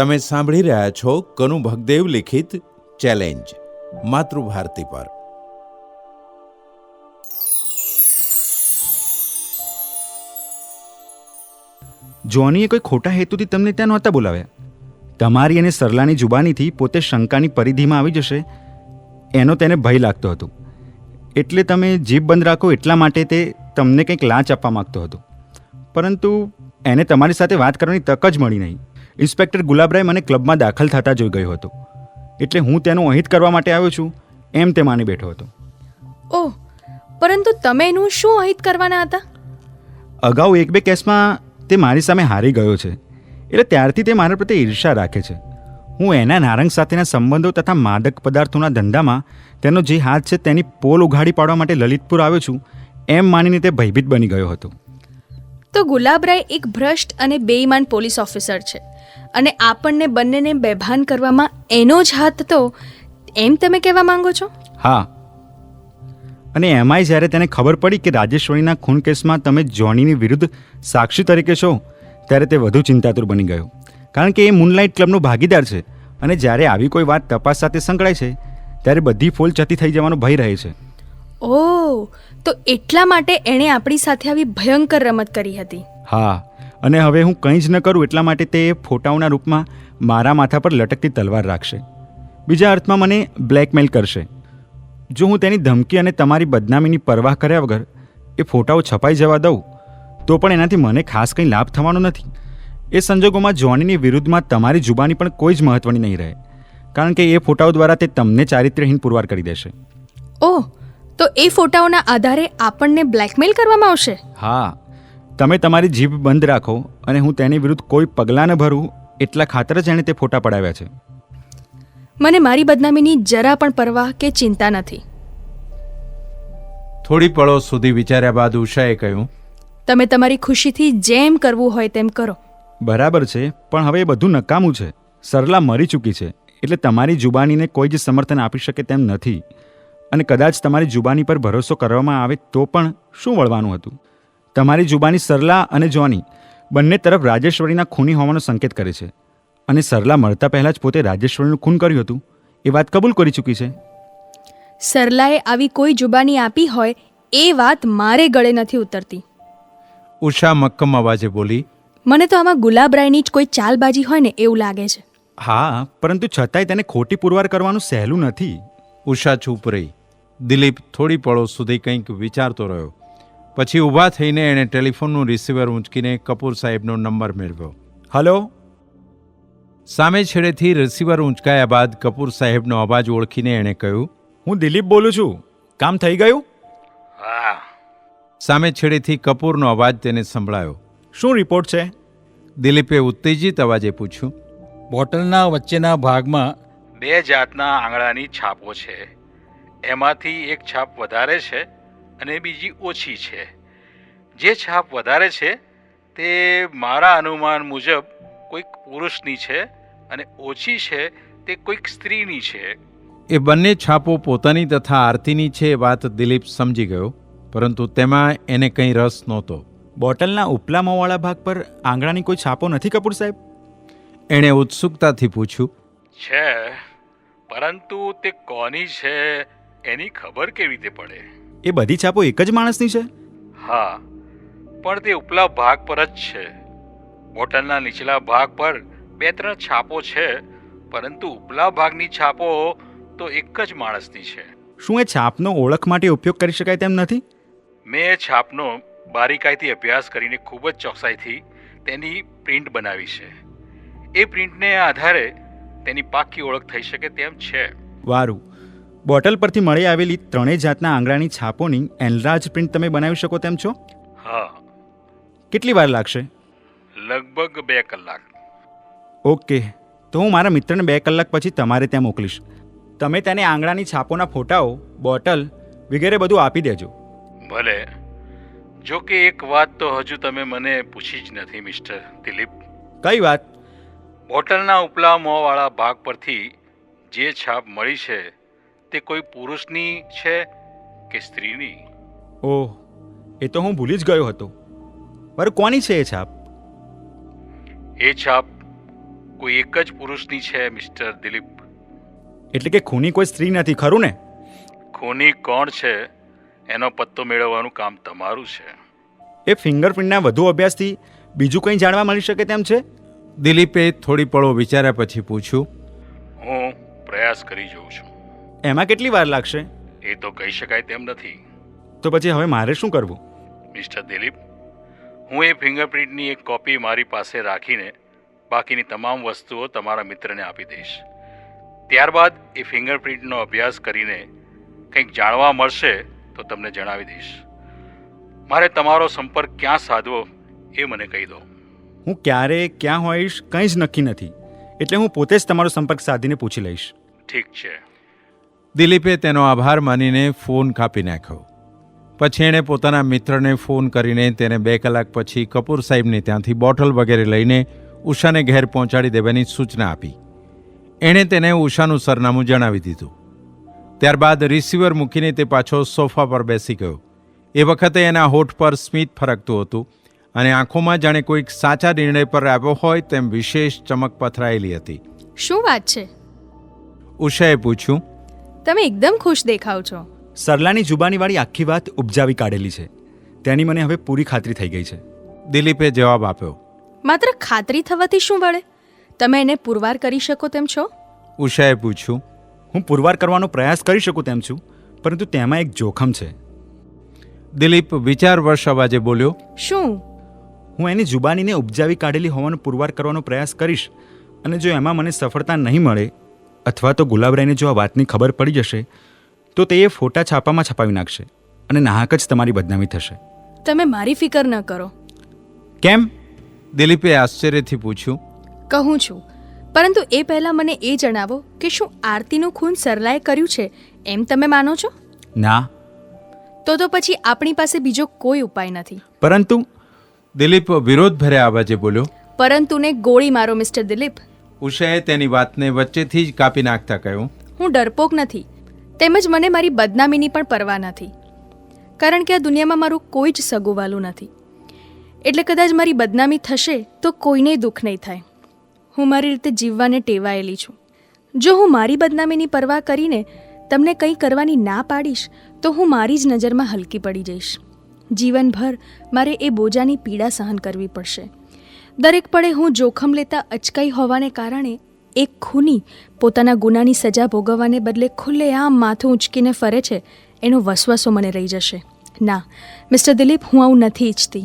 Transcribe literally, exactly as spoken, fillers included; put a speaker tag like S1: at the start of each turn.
S1: તમે સાંભળી રહ્યા છો કનુ ભગદેવ લિખિત ચેલેન્જ માતૃભારતી પર.
S2: જોનીએ કોઈ ખોટા હેતુથી તમને ત્યાં નહોતા બોલાવ્યા. તમારી અને સરલાની જુબાનીથી પોતે શંકાની પરિધિમાં આવી જશે એનો તેને ભય લાગતો હતો. એટલે તમે જીભ બંધ રાખો એટલા માટે તે તમને કંઈક લાંચ આપવા માગતો હતો. પરંતુ એને તમારી સાથે વાત કરવાની તક જ મળી નહીં. ઇન્સ્પેક્ટર ગુલાબરાય મને ક્લબમાં દાખલ થતા જોઈ ગયો હતો, એટલે હું તેનું અહિત કરવા માટે આવ્યો છું એમ તે માની બેઠો હતો.
S3: ઓહ, પરંતુ તમે એનું શું અહિત કરવાના હતા?
S2: અગાઉ એક બે કેસમાં તે મારી સામે હારી ગયો છે, એટલે ત્યારથી તે મારા પ્રત્યે ઈર્ષા રાખે છે. હું એના નારંગ સાથેના સંબંધો તથા માદક પદાર્થોના ધંધામાં તેનો જે હાથ છે તેની પોલ ઉઘાડી પાડવા માટે લલિતપુર આવ્યો છું એમ માનીને તે ભયભીત બની ગયો હતો.
S3: તો ગુલાબરાય એક ભ્રષ્ટ અને બેઈમાન પોલીસ ઓફિસર છે, અને આપણને બંનેને બેભાન કરવામાં એનો જ હાથ હતો એમ તમે કહેવા માંગો છો?
S2: હા, અને એમાંય જ્યારે તેને ખબર પડી કે રાજેશ્વરીના ખૂન કેસમાં તમે જોનીની વિરુદ્ધ સાક્ષી તરીકે છો ત્યારે તે વધુ ચિંતાતુર બની ગયો. કારણ કે એ મૂનલાઇટ ક્લબનો ભાગીદાર છે, અને જ્યારે આવી કોઈ વાત તપાસ સાથે સંકળાય છે ત્યારે બધી ફોલ જતી થઈ જવાનો ભય રહે છે.
S3: ઓહ, તો એટલા માટે એણે આપણી સાથે આવી ભયંકર રમત કરી હતી.
S2: હા, અને હવે હું કંઈ જ ન કરું એટલા માટે તે ફોટાઓના રૂપમાં મારા માથા પર લટકતી તલવાર રાખશે. બીજા અર્થમાં મને બ્લેકમેલ કરશે. જો હું તેની ધમકી અને તમારી બદનામીની પરવાહ કર્યા વગર એ ફોટાઓ છપાઈ જવા દઉં તો પણ એનાથી મને ખાસ કંઈ લાભ થવાનો નથી. એ સંજોગોમાં જોનીની વિરુદ્ધમાં તમારી જુબાની પણ કોઈ જ મહત્વની નહીં રહે, કારણ કે એ ફોટાઓ દ્વારા તે તમને ચારિત્ર્યહીન પુરવાર કરી દેશે.
S3: ઓહ, તો એ ફોટાઓના આધારે આપણને બ્લેકમેલ કરવામાં આવશે?
S2: હા, તમે તમારી જીભ બંધ રાખો અને હું તેની વિરુદ્ધ કોઈ પગલાં ન ભરું એટલા ખાતર જ એણે તે ફોટા પડાવ્યા છે.
S3: મને મારી બદનામીની જરા પણ પરવાહ કે ચિંતા નથી.
S1: થોડી પળો સુધી વિચાર્યા બાદ ઉષાએ કહ્યું,
S3: તમે તમારી ખુશીથી જેમ કરવું હોય તેમ કરો.
S2: બરાબર છે, પણ હવે એ બધું નકામું છે. સરલા મરી ચૂકી છે, એટલે તમારી જુબાનીને કોઈ જ સમર્થન આપી શકે તેમ નથી. અને કદાચ તમારી જુબાની પર ભરોસો કરવામાં આવે તો પણ શું વળવાનું હતું? તમારી જુબાની સરલા અને જોની બંને તરફ રાજેશ્વરીના ખૂની હોવાનો સંકેત કરે છે, અને સરલા મળતા પહેલાં જ પોતે રાજેશ્વરીનું ખૂન કર્યું હતું એ વાત કબૂલ કરી ચૂકી છે.
S3: સરલાએ આવી કોઈ જુબાની આપી હોય એ વાત મારે ગળે નથી ઉતરતી.
S1: ઉષા મક્કમ અવાજે બોલી,
S3: મને તો આમાં ગુલાબરાયની જ કોઈ ચાલબાજી હોય ને એવું લાગે છે.
S2: હા, પરંતુ છતાંય તેને ખોટી પુરવાર કરવાનું સહેલું નથી.
S1: ઉષા ચૂપ રહી. દિલીપ થોડી પળો સુધી કંઈક વિચારતો રહ્યો. પછી ઊભા થઈને એણે ટેલિફોનનું રિસીવર ઊંચકીને કપૂર સાહેબનો નંબર મેળવ્યો.
S2: હલો.
S1: સામે છેડેથી રિસીવર ઊંચકાયા બાદ કપૂર સાહેબનો અવાજ ઓળખીને એણે કહ્યું,
S2: હું દિલીપ બોલું છું. કામ થઈ ગયું?
S1: હા. સામે છેડેથી કપૂરનો અવાજ તેને સંભળાયો.
S2: શું રિપોર્ટ છે?
S1: દિલીપે ઉત્તેજિત અવાજે પૂછ્યું.
S4: બોટલના વચ્ચેના ભાગમાં બે જાતના આંગળાની છાપો છે. એમાંથી એક છાપ વધારે છે અને બીજી ઓછી છે. જે છાપ વધારે છે તે મારા અનુમાન મુજબ કોઈક પુરુષની છે, અને ઓછી છે તે કોઈક સ્ત્રીની છે.
S1: એ બંને છાપો પોતાની તથા આરતીની છે એ વાત દિલીપ સમજી ગયો, પરંતુ તેમાં એને કંઈ રસ નહોતો.
S2: બોટલના ઉપલા મોંવાળા ભાગ પર આંગળાની કોઈ છાપો નથી કપૂર સાહેબ?
S1: એણે ઉત્સુકતાથી પૂછ્યું.
S4: છે, પરંતુ તે કોની છે એની ખબર કેવી રીતે પડે?
S2: એ બધી છાપો એક જ માણસની છે?
S4: હા, પણ તે ઉપલા ભાગ પર જ છે. બોટલના નીચલા ભાગ પર બે ત્રણ છાપો છે, પરંતુ ઉપલા ભાગની છાપો તો એક જ માણસની છે.
S2: શું એ છાપનો ઓળખ માટે ઉપયોગ કરી શકાય તેમ નથી?
S4: મેં એ છાપનો બારીકાઈથી અભ્યાસ કરીને ખૂબ જ ચોકસાઈથી તેની પ્રિન્ટ બનાવી છે. એ પ્રિન્ટને આધારે તેની પાક્કી ઓળખ થઈ શકે તેમ છે.
S2: વારું. બોટલ પરથી મળી આવેલી ત્રણેય જાતના આંગળાની છાપોની એનલાર્જ પ્રિન્ટ તમે બનાવી શકો તેમ છો?
S4: હા.
S2: કેટલી વાર લાગશે?
S4: લગભગ બે કલાક.
S2: ઓકે, તો હું મારા મિત્રને બે કલાક પછી તમારે ત્યાં મોકલીશ. તમે તેને આંગળાની છાપોના ફોટાઓ, બોટલ વગેરે બધું આપી દેજો.
S4: ભલે. જો કે એક વાત તો હજુ તમે મને પૂછી જ નથી મિસ્ટર દિલીપ.
S2: કઈ વાત?
S4: બોટલના ઉપલા મોંવાળા ભાગ પરથી જે છાપ મળી છે તે કોઈ પુરુષની છે કે સ્ત્રીની?
S2: ઓહ, એ તો હું ભૂલી જ ગયો હતો. પર કોની છે એ છાપ?
S4: એ છાપ કોઈ એક જ પુરુષની છે મિસ્ટર દિલીપ.
S2: એટલે કે ખૂની કોઈ સ્ત્રી નથી, ખરું ને?
S4: ખૂની કોણ છે એનો પત્તો મેળવવાનું કામ તમારું છે.
S2: એ ફિંગરપ્રિન્ટના વધુ અભ્યાસથી બીજું કંઈ જાણવા મળી શકે તેમ છે?
S1: દિલીપે થોડી પળો વિચાર્યા પછી પૂછ્યું.
S4: હું પ્રયાસ કરી જોઉં છું.
S2: એમાં કેટલી વાર લાગશે?
S4: એ તો કહી શકાય તેમ નથી.
S2: તો પછી હવે મારે શું કરવું?
S4: મિસ્ટર દિલીપ, હું એ ફિંગરપ્રિન્ટની એક કોપી મારી પાસે રાખીને બાકીની તમામ વસ્તુઓ તમારા મિત્રને આપી દઈશ. ત્યારબાદ એ ફિંગરપ્રિન્ટનો અભ્યાસ કરીને કંઈક જાણવા મળશે તો તમને જણાવી દઈશ. મારે તમારો સંપર્ક ક્યાં સાધવો એ મને કહી દો.
S2: હું ક્યારે ક્યાં હોઈશ કંઈ જ નક્કી નથી, એટલે હું પોતે જ તમારો સંપર્ક સાધીને પૂછી લઈશ.
S4: ઠીક છે.
S1: દિલીપે તેનો આભાર માનીને ફોન કાપી નાખ્યો. પછી એણે પોતાના મિત્રને ફોન કરીને તેને બે કલાક પછી કપૂર સાહેબને ત્યાંથી બોટલ વગેરે લઈને ઉષાને ઘેર પહોંચાડી દેવાની સૂચના આપી. એણે તેને ઉષાનું સરનામું જણાવી દીધું. ત્યારબાદ રિસીવર મૂકીને તે પાછો સોફા પર બેસી ગયો. એ વખતે એના હોઠ પર સ્મિત ફરકતું હતું અને આંખોમાં જાણે કોઈક સાચા નિર્ણય પર આવ્યો હોય તેમ વિશેષ ચમક પથરાયેલી હતી.
S3: શું વાત છે?
S1: ઉષાએ પૂછ્યું.
S3: તમે એકદમ ખુશ દેખાવ છો.
S2: સરલાની જુબાનીવાળી આખી વાત ઉપજાવી કાઢેલી છે. તેની મને હવે પૂરી ખાતરી થઈ ગઈ છે.
S1: દિલીપે જવાબ આપ્યો.
S3: માત્ર ખાતરી થવાથી શું વળે? તમે એને પુરવાર કરી શકો તેમ છો?
S1: ઉષાએ પૂછ્યું.
S2: હું પુરવાર કરવાનો પ્રયાસ કરી શકું તેમ છું, પરંતુ તેમાં એક જોખમ છે.
S1: દિલીપ વિચારવશ અવાજે બોલ્યો.
S3: શું?
S2: હું એની જુબાનીને ઉપજાવી કાઢેલી હોવાનો પુરવાર કરવાનો પ્રયાસ કરીશ, અને જો એમાં મને સફળતા નહીં મળે અથવા તો ગુલાબરાયને જો આ વાતની ખબર પડી જશે તો તે એ ફોટા છાપામાં છપાવી નાખશે અને નાહક જ તમારી બદનામી થશે.
S3: તમે મારી ફિકર ન કરો.
S2: કેમ?
S1: દિલીપે આશ્ચર્યથી પૂછ્યું.
S3: કહું છું, પરંતુ એ પહેલાં મને એ જણાવો કે શું આરતીનું ખૂન સરલાએ કર્યું છે એમ તમે માનો છો?
S2: ના.
S3: તો તો પછી આપણી પાસે બીજો કોઈ ઉપાય નથી.
S2: પરંતુ
S1: દિલીપ વિરોધભર્યા અવાજે બોલ્યો.
S3: પરંતુને ગોળી મારો મિસ્ટર દિલીપ.
S1: ઉષાએ તેની વાતને વચ્ચેથી જ કાપી નાખતા કહ્યું.
S3: હું ડરપોક નથી, તેમજ મને મારી બદનામીની પણ પરવા નથી, કારણ કે આ દુનિયામાં મારું કોઈ જ સગુવાલું નથી. એટલે કદાચ મારી બદનામી થશે તો કોઈને દુઃખ નહીં થાય. હું મારી રીતે જીવવાને ટેવાયેલી છું. જો હું મારી બદનામીની પરવા કરીને તમને કંઈ કરવાની ના પાડીશ તો હું મારી જ નજરમાં હલકી પડી જઈશ. જીવનભર મારે એ બોજાની પીડા સહન કરવી પડશે. દરેક પળે હું જોખમ લેતા અચકાઈ હોવાને કારણે એક ખૂની પોતાના ગુનાની સજા ભોગવવાને બદલે ખુલ્લેઆમ માથું ઉંચકીને ફરે છે એનો વસવસો મને રહી જશે. ના મિસ્ટર દિલીપ, હું આવું નથી ઈચ્છતી.